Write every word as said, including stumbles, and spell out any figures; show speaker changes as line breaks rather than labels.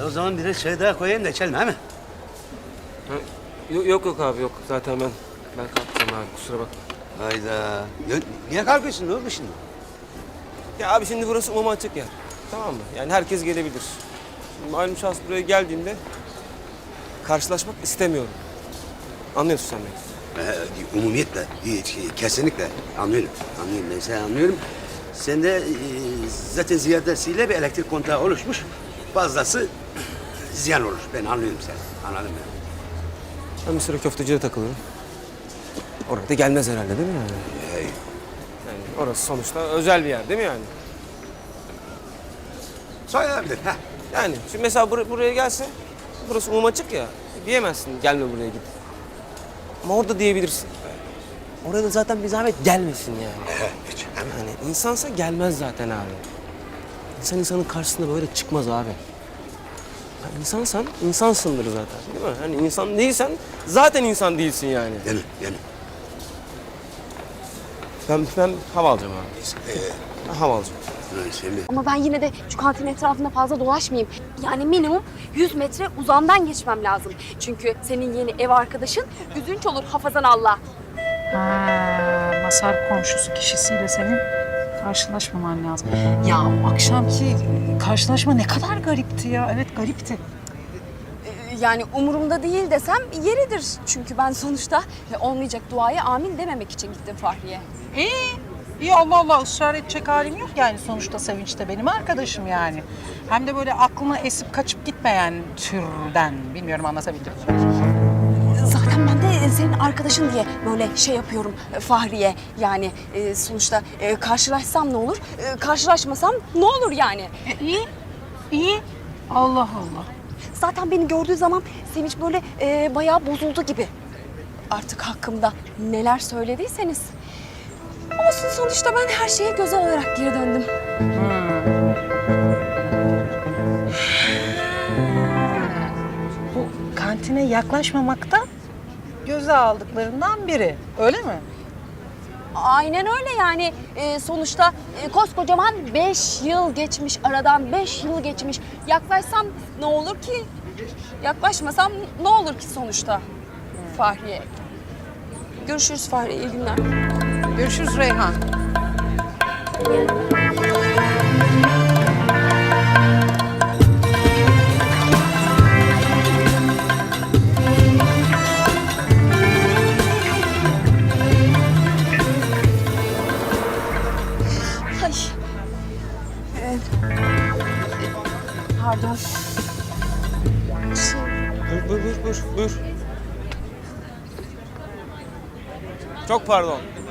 o zaman biraz çay daha koyayım da içelim, he mi?
Ha, yok, yok yok abi yok. Zaten ben ben kalkacağım abi, kusura bakma.
Hayda. Ya, niye kalkıyorsun? Ne oldu şimdi?
Ya abi şimdi burası umuma açık yer. Tamam mı? Yani herkes gelebilir. Şimdi malum şahıs buraya geldiğinde karşılaşmak istemiyorum. Anlıyorsun sen beni.
Ee, umumiyetle, hiç, kesinlikle anlıyorum. Anlıyorum, ben seni anlıyorum. Sende e, zaten ziyadesiyle bir elektrik kontağı oluşmuş. Fazlası ziyan olur. Ben anlıyorum seni. Anladım ben.
Ben bir süre köfteciye takılırım. Orada gelmez herhalde değil mi yani?
Hey.
Yani orası sonuçta özel bir yer değil mi yani?
Sayılabilir. Heh.
Yani şimdi mesela bur buraya gelse, burası umum açık ya, diyemezsin gelme buraya git. Ama orada diyebilirsin. Oraya da zaten bir zahmet gelmesin yani.
Evet, hiç. Hemen.
Yani insansa gelmez zaten abi. İnsan insanın karşısında böyle çıkmaz abi. Yani insansan, insansındır zaten değil mi? Hani insan değilsen zaten insan değilsin yani.
Değil mi? Değil mi?
Ben, ben hava alacağım abi.
Ee,
Ben hava alacağım.
şimdi
Ama ben yine de şu kantin etrafında fazla dolaşmayayım. Yani minimum yüz metre uzamdan geçmem lazım. Çünkü senin yeni ev arkadaşın üzünç olur hafazan Allah.
Ha, Masar komşusu kişisiyle senin karşılaşmaman lazım. Ya o akşamki karşılaşma ne kadar garipti ya. Evet garipti.
Ee, Yani umurumda değil desem yeridir. Çünkü ben sonuçta olmayacak duaya amin dememek için gittim Fahriye.
İyi. İyi Allah Allah ısrar edecek halim yok yani sonuçta Sevinç de benim arkadaşım yani. Hem de böyle aklına esip kaçıp gitmeyen türden. Bilmiyorum anlatabildim mi?
Zaten ben de senin arkadaşın diye böyle şey yapıyorum e, Fahriye. Yani e, sonuçta e, karşılaşsam ne olur, e, karşılaşmasam ne olur yani.
E, iyi. İyi. Allah Allah.
Zaten beni gördüğü zaman Sevinç böyle e, bayağı bozuldu gibi. Artık hakkımda neler söylediyseniz. Olsun sonuçta ben her şeye göze olarak geri döndüm.
Bu kantine yaklaşmamakta göze aldıklarından biri. Öyle mi?
Aynen öyle yani. E, sonuçta e, koskocaman beş yıl geçmiş aradan, beş yıl geçmiş. Yaklaşsam ne olur ki? Yaklaşmasam ne olur ki sonuçta? Fahriye. Görüşürüz Fahriye, iyi günler.
Görüşürüz Reyhan.
Ay. Ee, pardon. Şey,
Buyur, buyur, buyur, buyur, buyur. Çok pardon.